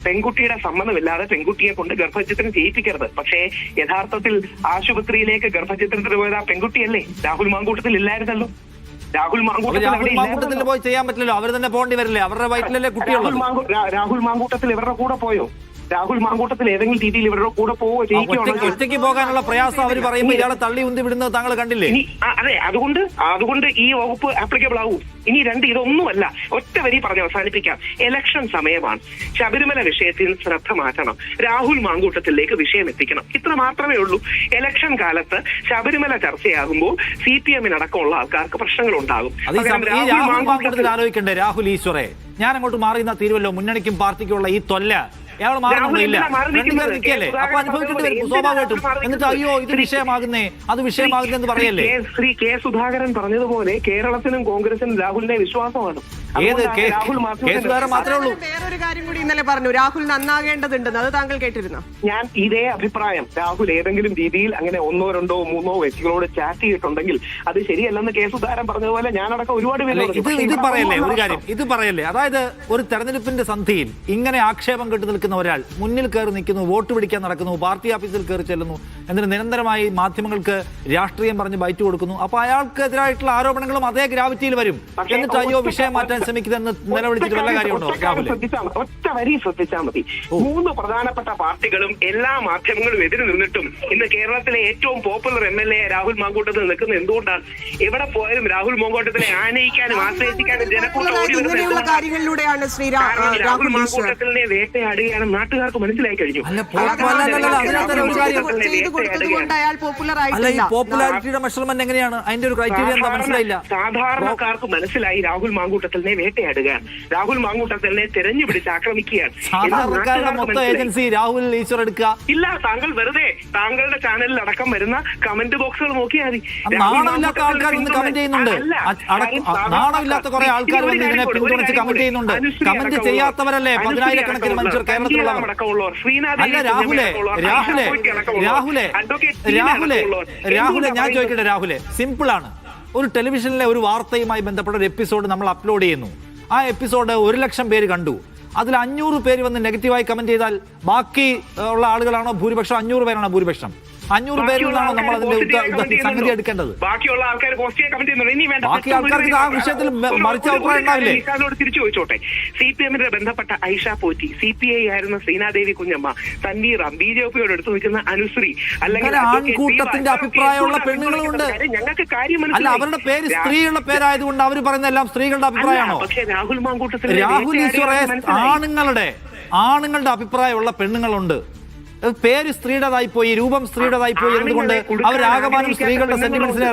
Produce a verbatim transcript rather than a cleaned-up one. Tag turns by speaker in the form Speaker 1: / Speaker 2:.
Speaker 1: പെൺകുട്ടിയുടെ സമ്മതമില്ലാതെ പെൺകുട്ടിയെ കൊണ്ട് ഗർഭചിത്രം ചെയ്യിപ്പിക്കരുത്. പക്ഷേ യഥാർത്ഥത്തിൽ ആശുപത്രിയിലേക്ക് ഗർഭചിത്രത്തിന് പോയത് ആ പെൺകുട്ടിയല്ലേ? രാഹുൽ മാങ്കൂട്ടത്തിൽ ഇല്ലായിരുന്നല്ലോ. രാഹുൽ
Speaker 2: മാങ്കൂട്ടത്തിൽ പോയി ചെയ്യാൻ പറ്റില്ലല്ലോ, അവർ തന്നെ പോകേണ്ടി വരില്ലേ? അവരുടെ വയറ്റിലല്ലേ കുട്ടിയുള്ളത്.
Speaker 1: രാഹുൽ മാങ്കൂട്ടത്തിൽ ഇവരുടെ കൂടെ പോയോ? രാഹുൽ മാങ്കൂട്ടത്തിൽ ഏതെങ്കിലും രീതിയിൽ ഇവരുടെ കൂടെ പോവോ
Speaker 2: ഒറ്റയ്ക്ക് പോകാനുള്ള പ്രയാസം അവർ പറയുമ്പോൾ ഇയാളെ തള്ളി ഉന്തി വിടുന്നത് താങ്കൾ കണ്ടില്ലേ?
Speaker 1: അതെ, അതുകൊണ്ട് അതുകൊണ്ട് ഈ വകുപ്പ് ആപ്ലിക്കബിൾ ആവും. ഇനി രണ്ട് ഇതൊന്നുമല്ല, ഒറ്റ വരി പറഞ്ഞ് അവസാനിപ്പിക്കാം. ഇലക്ഷൻ സമയമാണ്. ശബരിമല വിഷയത്തിൽ ശ്രദ്ധ മാറ്റണം, രാഹുൽ മാങ്കൂട്ടത്തിലേക്ക് വിഷയം എത്തിക്കണം. ഇത്ര മാത്രമേ ഉള്ളൂ. ഇലക്ഷൻ കാലത്ത് ശബരിമല ചർച്ചയാകുമ്പോൾ സി പി എമ്മിനടക്കമുള്ള ആൾക്കാർക്ക് പ്രശ്നങ്ങൾ ഉണ്ടാകും.
Speaker 2: ആലോചിക്കണ്ടേ രാഹുൽ ഈശ്വറെ? ഞാൻ അങ്ങോട്ട് മാറിയുന്ന തീരുവല്ലോ മുന്നണിക്കും പാർട്ടിക്കുള്ള ഈ തൊല്ല അയാൾ മാറുന്നില്ല, നിൽക്കല്ലേ? അപ്പൊ അനുഭവിക്കേണ്ടി വരും സ്വാഭാവികമായിട്ടും. എന്നിട്ട് അയ്യോ ഇത് വിഷയമാകുന്നേ അത് വിഷയമാകുന്നെന്ന് പറയല്ലേ?
Speaker 1: ശ്രീ കെ സുധാകരൻ പറഞ്ഞതുപോലെ കേരളത്തിനും കോൺഗ്രസിനും രാഹുലിനെ വിശ്വാസമാണ്.
Speaker 2: ഏത് കേസുകാരൻ മാത്രമേ ഉള്ളൂ.
Speaker 3: വേറൊരു കാര്യം കൂടി ഇന്നലെ പറഞ്ഞു, രാഹുൽ നന്നാകേണ്ടതുണ്ടെന്ന്. അത് താങ്കൾ കേട്ടിരുന്നു?
Speaker 1: ഞാൻ ഇതേ അഭിപ്രായം. രാഹുൽ ഏതെങ്കിലും രീതിയിൽ അങ്ങനെ ഒന്നോ രണ്ടോ മൂന്നോ വ്യക്തികളോട് ചാറ്റ് ചെയ്തിട്ടുണ്ടെങ്കിൽ അത് ശരിയല്ലെന്ന് കെ സുധാകരൻ പറഞ്ഞതുപോലെ ഞാനടക്കം ഒരുപാട് പേര്
Speaker 2: ഇത് പറയല്ലേ ഒരു കാര്യം ഇത് പറയല്ലേ അതായത് ഒരു തെരഞ്ഞെടുപ്പിന്റെ സന്ധിയിൽ ഇങ്ങനെ ആക്ഷേപം കെട്ടു നിൽക്കുന്ന ഒരാൾ മുന്നിൽ കയറി നിൽക്കുന്നു, വോട്ട് പിടിക്കാൻ നടക്കുന്നു, പാർട്ടി ഓഫീസിൽ കയറി ചെല്ലുന്നു, എന്നിട്ട് നിരന്തരമായി മാധ്യമങ്ങൾക്ക് രാഷ്ട്രീയം പറഞ്ഞ് ബൈറ്റ് കൊടുക്കുന്നു. അപ്പൊ അയാൾക്കെതിരായിട്ടുള്ള ആരോപണങ്ങളും അതേ ഗ്രാവിറ്റിയിൽ വരും. എന്നിട്ട് അയ്യോ വിഷയം മാറ്റാൻ ശ്രമിക്കുന്നതെന്ന് നിലവിളിച്ചിട്ട് വല്ല കാര്യമുണ്ടോ?
Speaker 1: ഒറ്റ വരി ശ്രദ്ധിച്ചാൽ മതി. മൂന്ന് പ്രധാനപ്പെട്ട പാർട്ടികളും എല്ലാ മാധ്യമങ്ങളും എതിര് നിന്നിട്ടും ഇന്ന് കേരളത്തിലെ ഏറ്റവും popular M L A Rahul Mamkootathil നിൽക്കുന്നത് എന്തുകൊണ്ടാണ്? എവിടെ പോയാലും രാഹുൽ മാങ്കൂട്ടത്തിനെ ആനയിക്കാനും ആശ്രയിക്കാനും ജനക്കൂട്ടം ഓടി വരുന്നത് രാഹുൽ മാങ്കൂട്ടത്തിനെ വേട്ടയാടുകയാണ് നാട്ടുകാർക്ക് മനസ്സിലായി കഴിഞ്ഞു.
Speaker 2: പോപ്പുലാരിറ്റിയുടെ മെഷർമെന്റ് എങ്ങനെയാണ്? അതിന്റെ ഒരു ക്രൈറ്റീരിയ എന്താ മനസ്സിലായില്ല.
Speaker 1: സാധാരണക്കാർക്ക് മനസ്സിലായി രാഹുൽ മാങ്കൂട്ടത്തിനെ വേട്ടയാടുകയാണ്, രാഹുൽ മാങ്കൂട്ടത്തിനെ തെരഞ്ഞുപിടിച്ച് ആക്രമിക്കുകയാണ്.
Speaker 2: സാധാരണക്കാരുടെ മൊത്തം ഏജൻസി രാഹുൽ ഈശ്വർ എടുക്കുക
Speaker 1: ഇല്ല. താങ്കൾ വെറുതെ താങ്കളുടെ ചാനലിൽ അടക്കം വരുന്ന കമന്റ് ബോക്സുകൾ നോക്കിയാൽ മതി.
Speaker 2: നാണമില്ലാത്ത ആൾക്കാർ ഇന്ന് കമന്റ് ചെയ്യുന്നുണ്ട്. നാണമില്ലാത്ത കുറെ ആൾക്കാർ വന്ന് ഇതിനെ പിന്തുണച്ച് കമന്റ് ചെയ്യുന്നുണ്ട്. കമന്റ് ചെയ്യാത്തവരല്ലേ പതിനായിരക്കണക്കിന് മനുഷ്യർ കേരളത്തിലുള്ളവർ. അല്ല രാഹുലെ രാഹുലെ രാഹുലെ രാഹുലെ രാഹുലെ ഞാൻ ചോദിക്കട്ടെ രാഹുലെ, സിമ്പിൾ ആണ്. ഒരു ടെലിവിഷനിലെ ഒരു വാർത്തയുമായി ബന്ധപ്പെട്ട ഒരു എപ്പിസോഡ് നമ്മൾ അപ്ലോഡ് ചെയ്യുന്നു. ആ എപ്പിസോഡ് ഒരു ലക്ഷം പേര് കണ്ടു. അതിൽ അഞ്ഞൂറ് പേര് വന്ന് നെഗറ്റീവായി കമന്റ് ചെയ്താൽ ബാക്കി ഉള്ള ആളുകളാണോ ഭൂരിപക്ഷം? അഞ്ഞൂറ് പേരാണോ ഭൂരിപക്ഷം? അഞ്ഞൂറ് പേരിൽ നിന്നാണോ നമ്മൾ അതിന്റെ സംഗതി എടുക്കേണ്ടത്?
Speaker 1: ബാക്കിയുള്ള ആൾക്കാർ
Speaker 2: ബാക്കി ആൾക്കാർക്ക് ആ വിഷയത്തിൽ മറിച്ച അഭിപ്രായം ഉണ്ടാവില്ലേ?
Speaker 1: തിരിച്ചു ചോദിച്ചോട്ടെ. സി പി എമ്മിന്റെ ബന്ധപ്പെട്ട Aisha Potti, C P I ആയിരുന്ന ശ്രീനാദേവി കുഞ്ഞമ്മ, തൻവീർ, ബി ജെ പിയോട് എടുത്തു നിൽക്കുന്ന അനുശ്രീ, അല്ലെങ്കിൽ
Speaker 2: ആൺകൂട്ടത്തിന്റെ അഭിപ്രായമുള്ള പെണ്ണുങ്ങളുണ്ട്.
Speaker 1: ഞങ്ങൾക്ക് കാര്യം
Speaker 2: അല്ല, അവരുടെ പേര് സ്ത്രീയുള്ള പേരായതുകൊണ്ട് അവർ പറയുന്ന എല്ലാം സ്ത്രീകളുടെ അഭിപ്രായമാണോ?
Speaker 1: പക്ഷേ രാഹുൽ മാങ്കൂട്ടത്തിൽ
Speaker 2: രാഹുൽ ഈശ്വറെ ആണുങ്ങളുടെ ആണുങ്ങളുടെ അഭിപ്രായമുള്ള പെണ്ണുങ്ങളുണ്ട്. പേര് സ്ത്രീയുടേതായി പോയി, രൂപം സ്ത്രീയുടേതായി പോയി എന്നതുകൊണ്ട് അവരാകമാനം സ്ത്രീകളുടെ സെന്റിമെന്റ്സിനെ